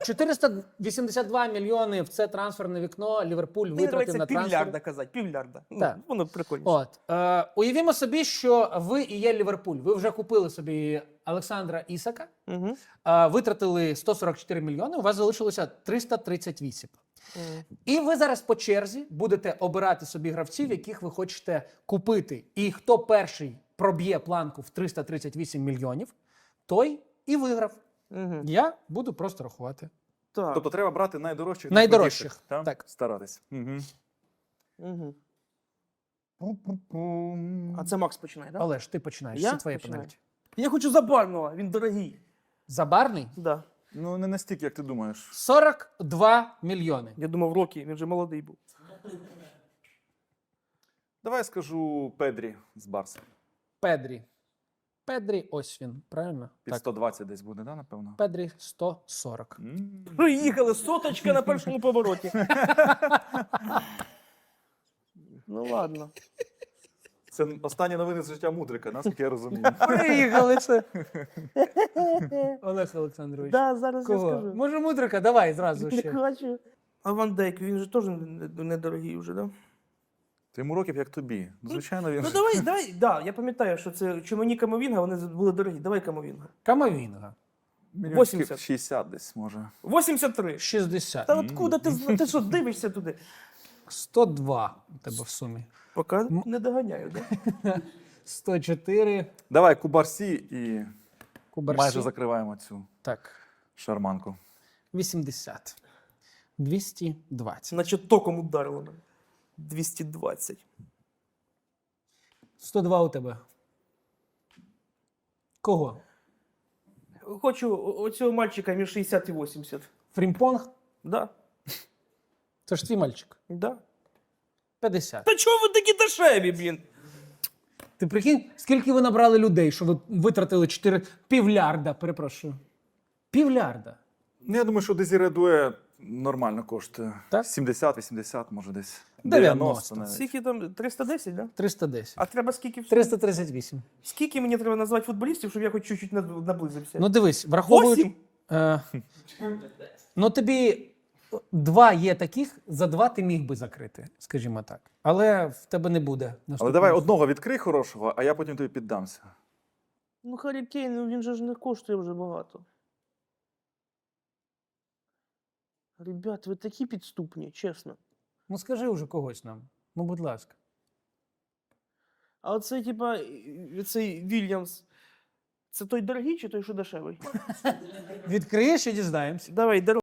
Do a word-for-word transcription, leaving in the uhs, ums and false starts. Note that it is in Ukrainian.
чотириста вісімдесят два мільйони в це трансферне вікно Ліверпуль Мені витратив подобається на півлярда трансфер. казати, півлярда. Так. Ну, воно прикольніше. От. Е, уявімо собі, що ви і є Ліверпуль. Ви вже купили собі Олександра Ісака, Угу. е, витратили сто сорок чотири мільйони, у вас залишилося триста тридцять вісім. І ви зараз по черзі будете обирати собі гравців, яких ви хочете купити. І хто перший проб'є планку в триста тридцять вісім мільйонів, той і виграв. Угу. Я буду просто рахувати. Так. Тобто треба брати найдорожчих. Найдорожчих, найкрутіших, та? так. Старатись. Угу. Угу. А це Макс починає, так? Олеж, ти починаєш. Я Це твоє починаю? пенальті. Я хочу Забарного, він дорогий. Забарний? Да. Ну, не настільки, як ти думаєш. сорок два мільйони. Я думав, Рокі, він вже молодий був. Давай я скажу Педрі з Барса. Педрі. Педрі, ось він, правильно? Під Так. сто двадцять десь буде, да, напевно? Педрі сто сорок. М. Приїхали, соточка на першому повороті. Ну ладно. Це останні новини з життя Мудрика, наскільки я розумію. Приїхали це. Олег Олександрович. Да, зараз я Кого? скажу. Може, Мудрика? Давай зразу Не ще. хочу. А Ван Дейк, він же теж не- недорогий вже, да? Ти йому років, як тобі. Ну, звичайно, він. Ну давай, давай, да, я пам'ятаю, що це Чумані Камовінга, вони були дорогі. Давай Камовінга. Камовінга. Мільйонів вісімдесят. шістдесят десь, може. вісімдесят три. шістдесят. Та откуда ти, зна- ти що, дивишся туди? сто два у тебе в сумі. Поки не доганяю, да? сто чотири. Давай, Кубарсі і Кубарсі. майже закриваємо цю Так. шарманку. вісімдесят. двісті двадцять. Значить, током ударило мене. двісті двадцять. сто два у тебе. Кого? Хочу о- оцього мальчика між шістдесят і вісімдесят. Фрімпонг? Да, Це ж твій мальчик. да. п'ятдесят. Та чого ви такі дешеві, блін? Ти прикинь, скільки ви набрали людей, що ви витратили чотири півлярда, перепрошую. Півлярда. Ну, я думаю, що Дезіре Дуе нормально коштує. Так? сімдесят-вісімдесят, може десь. дев'яносто. навіть. Скільки там? триста десять, да? триста десять. А треба скільки? триста тридцять вісім. Скільки мені треба назвати футболістів, щоб я хоч чуть-чуть над- наблизився? Ну дивись, враховують. Восім? Е, ну тобі два є таких, за два ти міг би закрити, скажімо так. Але в тебе не буде. Але наступного. давай одного відкрий хорошого, а я потім тобі піддамся. Ну, Харі Кейн, ну, він же ж не коштує вже багато. Ребят, ви такі підступні, чесно. Ну скажи вже когось нам. Ну, будь ласка. А оцей, типа, і- цей Вільямс, це той дорогий чи той, що дешевий? Відкриєш і дізнаємося. Давай, дорогий.